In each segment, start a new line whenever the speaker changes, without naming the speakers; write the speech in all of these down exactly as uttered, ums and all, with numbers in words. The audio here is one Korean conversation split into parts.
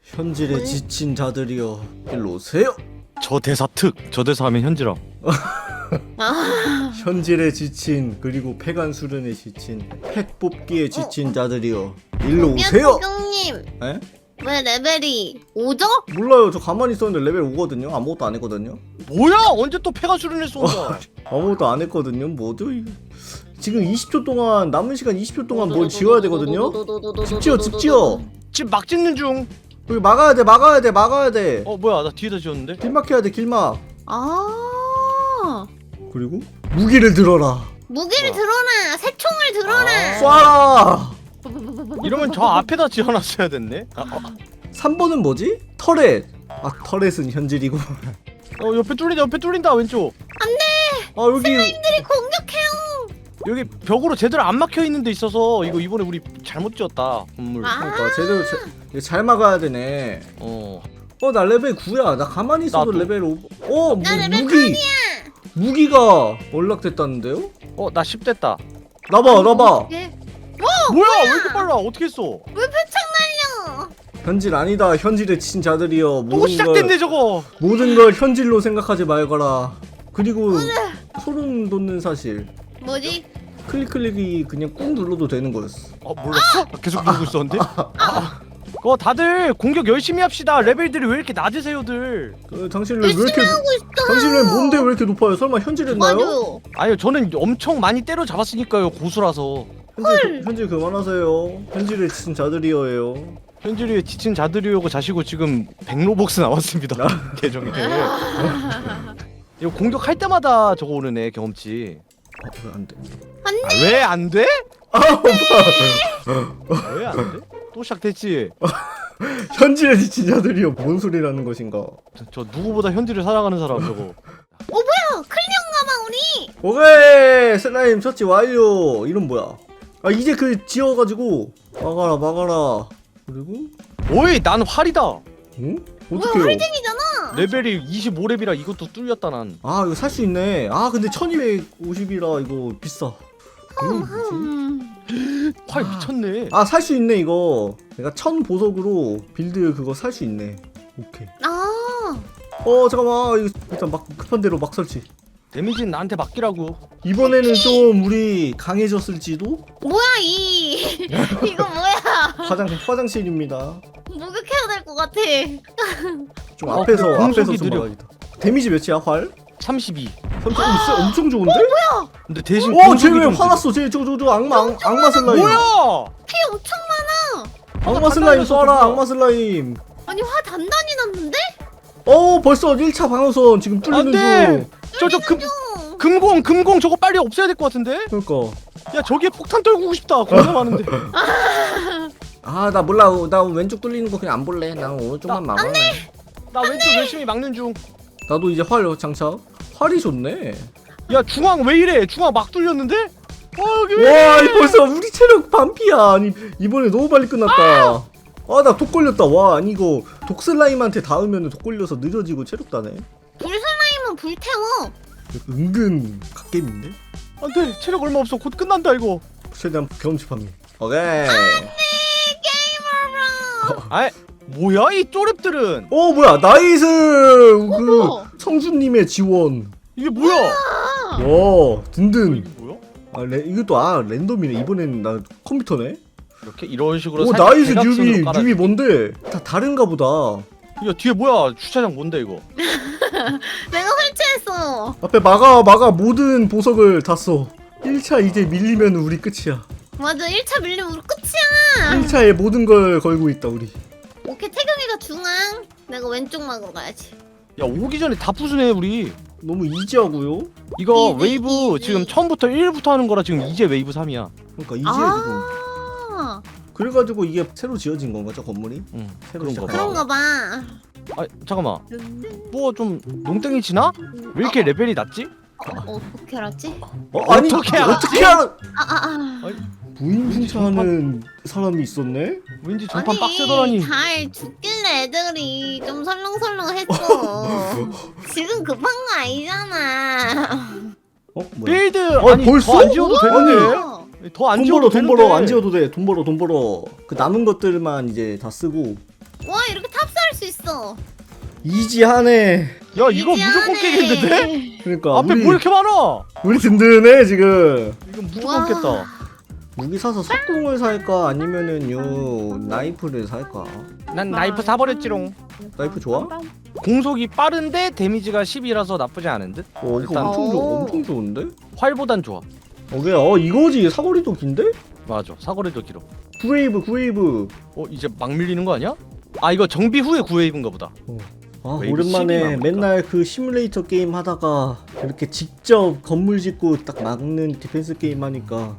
현질에 지친 자들이여 일로 오세요.
저 대사 특! 저 대사 하면 현지라.
아,
현질에 지친 그리고 폐간 수련에 지친 팩 뽑기에 지친 자들이여 일로 오세요.
형님
에?
왜 레벨이 오죠?
몰라요. 저 가만히 있었는데 레벨 오거든요. 아무것도 안 했거든요.
뭐야! 언제 또 폐가 수련했어 혼자.
아무것도 안 했거든요. 뭐죠? 이거? 지금 이십 초 동안 남은 시간 이십 초 동안 뭘 지어야 되거든요. 집 지어 집 지어.
지금 막 짓는 중.
여기 막아야 돼 막아야 돼 막아야 돼.
어 뭐야 나 뒤에다 지었는데?
길막 해야 돼 길막.
아,
그리고 무기를 들어라.
무기를 들어라. 새총을 들어라.
쏴라.
이러면 저 앞에다 지어놨어야 됐네. 아, 어.
삼 번은 뭐지? 터렛. 아 터렛은 현질이고.
어 옆에 뚫린다 옆에 뚫린다 왼쪽.
아 여기
슬라임들이 공격해요.
여기 벽으로 제대로 안 막혀 있는 데 있어서 이거 이번에 우리 잘못 지었다 건물.
아.
그러니까 제대로 제, 이거 잘 막아야 되네.
어.
어 나 레벨 구야. 나 가만히 있어도
나도.
레벨 오. 어 무,
나 레벨
무기. 무기가 연락됐다는데요?
어 나 십 됐다.
나봐 나봐.
예?
뭐야 왜 이렇게 빨라? 어떻게 했어?
왜 표창 날려?
현질 아니다. 현질에 친 자들이여.
또
모든 걸
시작됐네 저거.
모든 걸 현질로 생각하지 말거라. 그리고 소름 돋는 사실.
뭐지?
클릭 클릭이 그냥 꾹 눌러도 되는 거였어.
어 몰랐어? 나 계속 누르고 있었는데? 그거 다들 공격 열심히 합시다. 레벨들이 왜 이렇게 낮으세요들?
그, 당신 왜
열심히
이렇게
하고 있어.
당신 왜 뭔데 왜 이렇게 높아요? 설마 현질했나요?
맞아요.
아니요 저는 엄청 많이 때려 잡았으니까요 고수라서.
현질, 현질 그만하세요. 현질에 친 자들이여예요.
현질이 지친 자들이오고 자시고 지금 백로복스 나왔습니다. 계정에. 이거 공격할 때마다 저거 오르네 경험치.
어, 왜 안 돼?
아, 왜 안 돼?
아, 오빠.
왜 안 돼? 또 시작됐지.
현질에 지친 자들이여 뭔 소리라는 것인가?
저, 저 누구보다 현질을 사랑하는 사람 저거.
어 뭐야? 클리어인가봐 우리.
오케이 슬라임 처치 완료. 이름 뭐야? 아 이제 그 지어가지고 막아라 막아라. 그리고
오이 난 활이다.
응?
뭐야
어떡해요?
활쟁이잖아.
레벨이 이십오 렙이라 이것도 뚫렸다 난.
아 이거 살 수 있네. 아 근데 천이백오십이라 이거 비싸. 이거 뭐지?
음.
활 미쳤네.
아 살 수 있네 이거. 내가 천 보석으로 빌드 그거 살 수 있네. 오케이.
아.
어 잠깐만 이거 일단 막 급한 대로 막 설치.
데미지는 나한테 맡기라고.
이번에는 좀 우리 강해졌을지도.
뭐야 이 이거 뭐야?
화장 화장실입니다.
목욕해야 될 것 같아.
좀
어,
앞에서
그
앞에서
공속이
좀
느려.
막아야겠다. 데미지 몇이야 활?
삼십이.
삼천 오, 쎄, 엄청 좋은데?
근데 대신
어,
공속이
쟤왜
좀
화났어? 쟤 저거 저거 악마 악- 악마 슬라임.
느려. 뭐야?
피 엄청 많아.
악마 슬라임
단단해서
쏴라.
좋아.
악마 슬라임.
아니 화 단단히 났는데?
어, 벌써 일 차 방어선 지금 뚫리는
안돼.
중.
저저 금
좀.
금공 금공 저거 빨리 없애야 될 것 같은데?
그러니까.
야 저기에 폭탄 떨구고 싶다. 겁나 많은데.
아, 나 몰라. 나 왼쪽 뚫리는 거 그냥 안 볼래. 난 오른쪽만
나-
막을래.
나 왼쪽 열심히 막는 중.
나도 이제 활 장착. 활이 좋네.
야 중앙 왜 이래? 중앙 막 뚫렸는데? 어 여기 왜
와,
이래?
이 벌써 우리 체력 반피야. 아니, 이번에 너무 빨리 끝났다. 아, 나 독 걸렸다. 와, 아니 이거 독 슬라임한테 닿으면 독 걸려서 느려지고 체력 다네.
불 슬라임은 불 태워.
은근 갓겜인데?
안돼 체력 얼마 없어. 곧 끝난다 이거.
최대한 경험치 판매. 오케이.
게이머로.
아이 뭐야 이 쪼렙들은?
어 뭐야 나이스 그
어머.
성주님의 지원.
이게 뭐야?
와 든든.
이게 뭐야?
아 레, 이것도 아 랜덤이네. 이번에는 나 컴퓨터네.
이렇게 이런 식으로
오
살짝
나이스
대각선으로
뉴비
깔아-
뉴비 뭔데? 다 다른가 보다.
야 뒤에 뭐야 주차장 뭔데 이거?
내가 설치했어.
앞에 막아 막아 모든 보석을 다 써. 일 차 이제 밀리면 우리 끝이야.
맞아 일 차 밀리면 우리 끝이야.
일 차에 모든 걸 걸고 있다 우리.
오케이 태경이가 중앙. 내가 왼쪽 막으러 가야지.
야 오기 전에 다 부수네 우리.
너무 이지하고요.
이거
이지,
웨이브
이지.
지금 처음부터 일부터 하는 거라 지금 이제 웨이브 삼이야.
그러니까 이지해 지금.
아
그래가지고 이게 새로 지어진 건가 저 건물이?
응
새로
그런 거 봐.
그런가 봐.
아 잠깐만 뭐 좀 농땡이 치나? 왜 이렇게 레벨이 낮지?
어, 어떻게 알았지?
어 아니
어떻게 알았지?
어떻게 알아?
아아아.
부인 훔쳐하는 사람이 있었네?
왠지 전판
아니
빡세더라니.
잘 죽길래 애들이 좀 설렁설렁했어. 지금 급한 거 아니잖아.
어 뭐야?
빌드
어,
아니
벌써?
더 안 지어도
어?
되는데?
어.
더 안
돈
지어도
벌어 돈
되는데?
벌어 안 지어도 돼. 돈 벌어 돈 벌어. 그 남은 것들만 이제 다 쓰고
와 이렇게 탑승할 수 있어.
이지하네.
야 이거 무조건
이지하네.
깨겠는데?
그러니까
앞에
우리
뭐 이렇게 많아?
우리 든든해 지금.
이거 무조건
와.
깼다.
무기 사서 석궁을 살까 아니면은 요 나이프를 살까?
난 나이프 사버렸지롱.
나이프 좋아?
공속이 빠른데 데미지가 십이라서 나쁘지 않은 듯?
어 이거
일단
엄청 좋아.
오.
엄청 좋은데?
활보단 좋아.
오케이. 어 이거지. 사거리도 긴데?
맞아. 사거리도 길어.
구웨이브 구웨이브.
어 이제 막 밀리는 거 아니야? 아 이거 정비 후에 구웨이브인가 보다.
아
웨이브 십이
오랜만에
나오니까.
맨날 그 시뮬레이터 게임 하다가 이렇게 직접 건물 짓고 딱 막는 디펜스 게임 하니까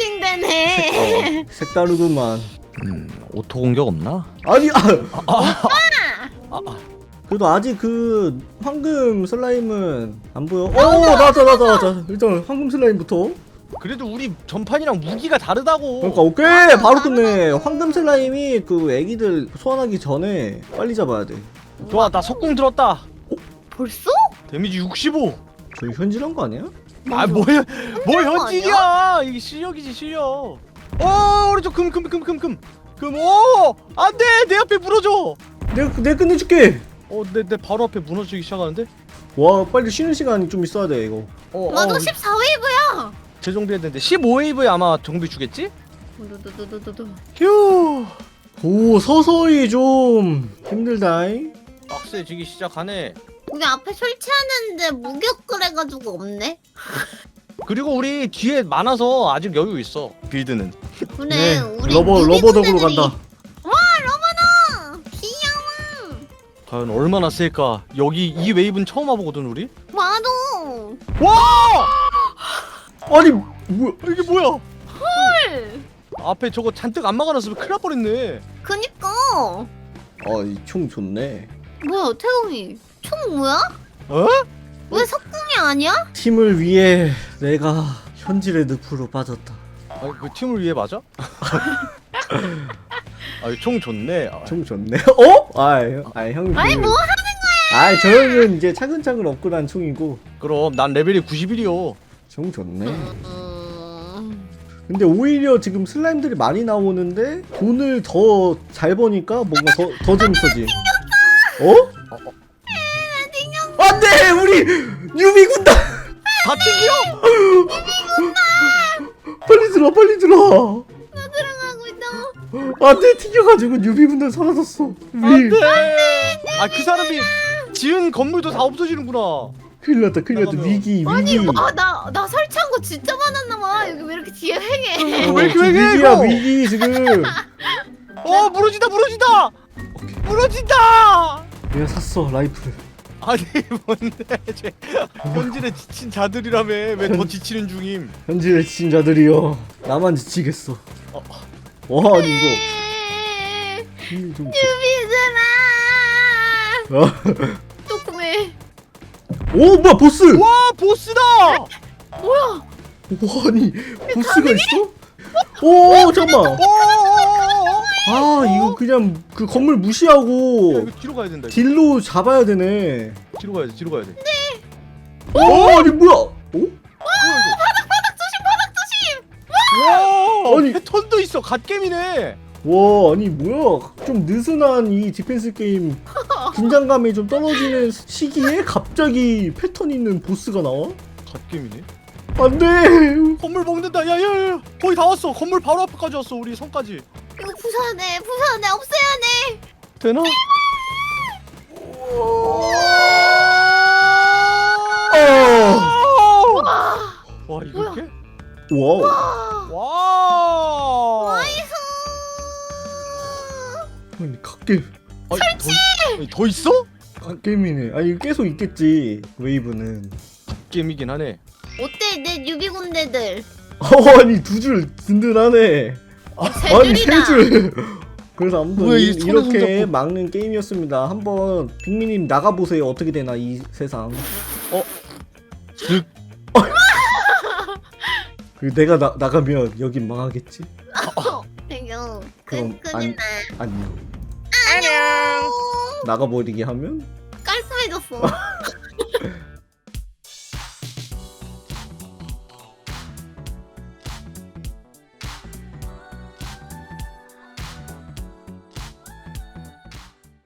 힐링되네.
어, 색다르구만.
음 오토 공격 없나?
아니 아,
아, 아.
그래도 아직 그 황금 슬라임은 안 보여. 오 나왔다 나왔다 나왔다. 일단 황금 슬라임부터.
그래도 우리 전판이랑 무기가 다르다고.
그러니까 오케이 바로 끝내. 황금 슬라임이 그 애기들 소환하기 전에 빨리 잡아야 돼.
좋아 나 석궁 들었다.
벌써?
데미지 육십오.
저희 현질한 거 아니야?
아 뭐야 뭐
거
현질이야. 이게 실력이지 실력. 어 오른쪽 금 금 금 금 금 금. 오 안돼 내 앞에 무너져.
내가 내가 끝내줄게.
어내 내 바로 앞에 무너지기 시작하는데.
와 빨리 쉬는 시간이 좀 있어야 돼 이거.
어,
나도
어,
십사 웨이브야.
재정비해야 되는데 십오 웨이브에 아마 정비 주겠지?
두두두두두두.
휴
오 서서히 좀 힘들다잉.
빡세지기 시작하네.
우리 앞에 설치하는데 무격을 해가지고 없네.
그리고 우리 뒤에 많아서 아직 여유 있어 빌드는.
그래
네
우리
러버
유비
러버 덕으로
군대들이-
간다.
와 러버다. 귀여워.
과연 얼마나 셀까? 여기 이 웨이브는 처음 와보거든 우리.
맞아.
와
아니 뭐야?
이게 뭐야?
헐.
앞에 저거 잔뜩 안 막아놨으면 큰일 날 뻔했네.
그니까.
아이 총 좋네.
뭐야 태웅이 총 뭐야?
어?
왜 석궁이 아니야?
팀을 위해 내가 현질의 늪으로 빠졌다.
아니 그 팀을 위해 맞아? 아이 총 좋네. 아,
총 좋네. 어? 아이 아이 형님.
아니 뭐 하는
아이 저는 이제 차근차근 업그레이드한 총이고
그럼 난 레벨이 구십일이요.
총 좋네.
음...
근데 오히려 지금 슬라임들이 많이 나오는데 돈을 더 잘 버니까 뭔가 더, 더 재밌어지. 어? 안돼 우리 유비 군단.
다 튕겨?
빨리 들어 빨리 들어.
나 들어가고 있어.
안돼 튕겨가지고 유비 군단 사라졌어. 위.
안돼. 아 그 사람이 지은 건물도 다 없어지는구나.
큰일 났다 큰일 났다.
나가면-
위기 위기.
아니 와나 나 설치한 거 진짜 많았나봐. 여기 왜 이렇게 뒤에 횡해?
어,
왜 이렇게
지금
왜 해,
위기야
이거?
위기 지금.
어 무너진다 무너진다. 무너진다.
내가 샀어 라이프를.
아니 뭔데 쟤 현질에 지친 자들이라며 왜 더 지치는 중임?
현질의 지친자들이여 나만 지치겠어.
어.
와 아니 이거 힘이 좀.
유비들아.
어?
조금해.
오 뭐야 보스.
와 보스다.
뭐야?
와 아니 보스가 있어? 오 잠깐만.
오.
아 이거 그냥 그 건물
야,
무시하고
이거 뒤로 가야 된다. 이거.
딜로 잡아야 되네.
뒤로 가야 돼. 뒤로 가야 돼.
오 아니 뭐야? 오?
와
아니.
패턴도 있어. 갓겜이네.
와 아니 뭐야? 좀 느슨한 이 디펜스 게임 긴장감이 좀 떨어지는 시기에 갑자기 패턴 있는 보스가 나와?
갓겜이네.
안돼.
건물 먹는다. 야야야. 거의 다 왔어. 건물 바로 앞까지 왔어. 우리 성까지.
이거 부산해 부산해 없애야 돼.
되나?
어.
와 이렇게?
와우.
와.
나이스.
아니 갓겜.
설치. 더, 더 있어?
갓겜이네. 아니 계속 있겠지 웨이브는.
갓겜이긴 하네.
어때 내 유비 군대들?
어 아니 두 줄 든든하네.
세
아니
줄이다.
세 줄. 그래서 아무튼
뭐야, 이
이,
손에
이렇게
손잡고.
막는 게임이었습니다. 한번 빅미님 나가보세요. 어떻게 되나 이 세상.
득.
그 내가 나, 나가면 여긴 망하겠지?
이거
그럼
끝
안-
끝이나.
안녕.
안녕.
나가버리게 하면?
깔끔해졌어.